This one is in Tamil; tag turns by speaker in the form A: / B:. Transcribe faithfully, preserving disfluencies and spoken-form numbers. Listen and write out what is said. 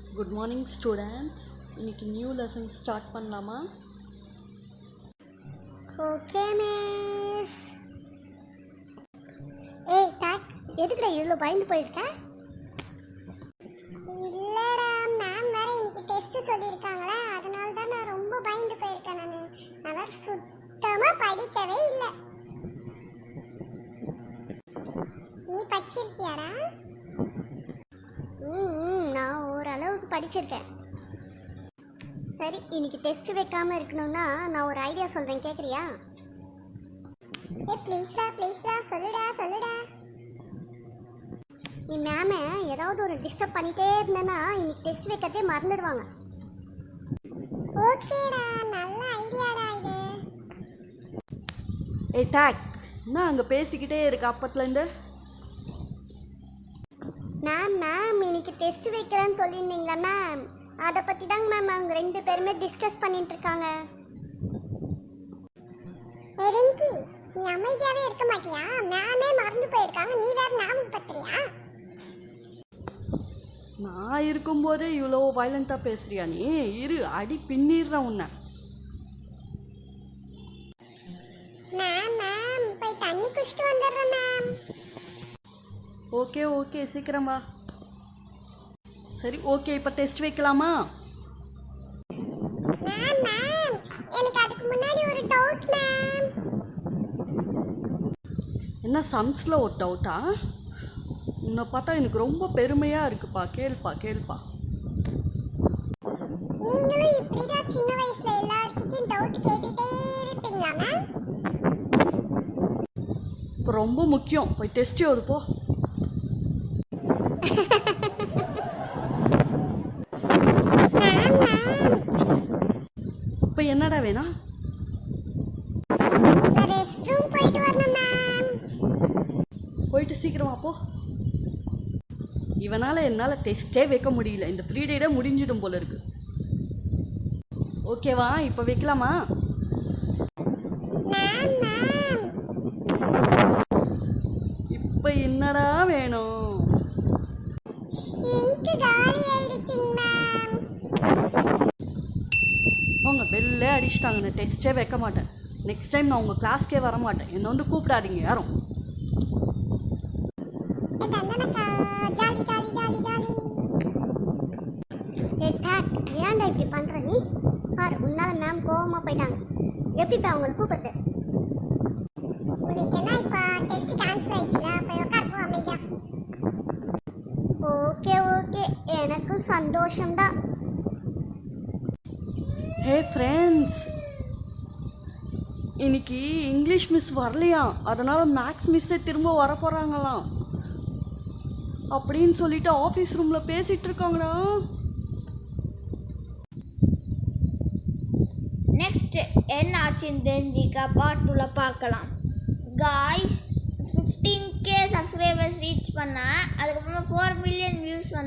A: Good morning students. இன்னைக்கு நியூ லெசன் ஸ்டார்ட் பண்ணலாமா?
B: Okay miss. ஏய் டாக், எதுக்குடா இவ்வளோ பயந்து போயிருக்க? இல்லடா மேம் வேற இன்னைக்கு டெஸ்ட் சொல்லியிருக்காங்களா, அதனால தான் நான் ரொம்ப பயந்து போயிருக்கேன். நான் நான் சுத்தமாக படிக்கவே இல்லை. நீ படிச்சிருக்கியாடா? ம் நான் ஓரளவுக்கு படிச்சிருக்கேன். சரி, இன்னைக்கு டெஸ்ட் வைக்காம இருக்கணும்னா நான் ஒரு ஐடியா சொல்றேன், கேக்குறியா? ஏ ப்ளீஸ்டா ப்ளீஸ்டா சொல்லுடா சொல்லுடா. நீ மேம ஏதாவது ஒரு டிஸ்டர்ப் பண்ணிட்டே இருந்தேன்னா இன்னைக்கு டெஸ்ட் வைக்கிறதே மறந்துடுவாங்க. ஓகேடா, நல்ல ஐடியாடா இது.
A: ஏய் டாக், என்ன அங்கே பேசிக்கிட்டே இருக்க அப்பத்துலேருந்து?
B: மேம் மேம் இன்னைக்கு டெஸ்ட் வைக்கிறேன்னு சொல்லியிருந்தீங்களா மேம், அதை பற்றி தாங்க மேம் அவங்க ரெண்டு பேருமே டிஸ்கஸ் பண்ணிட்டு இருக்காங்க. ரிங்கி, நீ அமைதியாகவே இருக்க மாட்டியா? மேமே மறந்து போயிருக்காங்க, நீ வேற ஞாபகப்படுத்துறியா?
A: நான் இருக்கும்போது இவ்வளோ வயலண்ட்டாக பேசுறியா நீ? இரு, அடி பின்னிடுறேன் உன்னை.
B: மேம் மேம் போய் தண்ணி குடிச்சிட்டு வந்துடுறேன் மேம்.
A: ஓகே ஓகே சீக்கிரம் வா. சரி ஓகே, இப்போ டெஸ்ட் வைக்கலாமா?
B: மேம் மேம் எனக்கு அதுக்கு முன்னாடி ஒரு டவுட் மேம்.
A: என்ன சம்ஸில் ஒரு டவுட்டா? உன்னை பார்த்தா எனக்கு ரொம்ப பெருமையாக இருக்குப்பா. கேள்ப்பா கேள்ப்பா.
B: நீங்களும் இப்படிதான் சின்ன வயசுல எல்லார்கிட்டயும் டவுட் கேட்டுட்டே இருப்பீங்களா மேம்?
A: இப்போ ரொம்ப முக்கியம், போய் டெஸ்ட் எழுது போ. இப்போ என்னடா வேணும்? போயிட்டு சீக்கிரமா போ. இவனால் என்னால் டெஸ்ட்டே வைக்க முடியல, இந்த பீரியடே முடிஞ்சிடும் போல இருக்கு. ஓகேவா, இப்போ வைக்கலாமா? இப்போ என்னடா வேணும்? அவங்க பெல்லே அடிச்சிட்டாங்க, நான் டெஸ்ட்டே வைக்க மாட்டேன். நெக்ஸ்ட் டைம் நான் உங்கள் கிளாஸ்க்கே வர மாட்டேன். என்னை வந்து கூப்பிடாதீங்க யாரும்.
B: ஏன்டா இப்படி பண்ற நீ? பாரு, உன்னால மேம் கோவமா போயிட்டாங்க. எப்படி இப்போ அவங்களை கூப்பிடுறது? ஓகே ஓகே, எனக்கும் சந்தோஷம்தான்.
A: ஹே ஃப்ரெண்ட்ஸ், இன்னைக்கு இங்கிலீஷ் மிஸ் வரலையா, அதனால் மேக்ஸ் மிஸ்ஸே திரும்ப வர போகிறாங்களாம் அப்படின்னு சொல்லிட்டு ஆஃபீஸ் ரூமில் பேசிகிட்டு இருக்காங்கடா.
C: நெக்ஸ்ட் என்ன ஆச்சுன்னு தெரிஞ்சிக்க பார்ட் டூல பார்க்கலாம். Guys, fifteen K subscribers reach பண்ண, அதுக்கப்புறமா ஃபோர் மில்லியன் வியூஸ்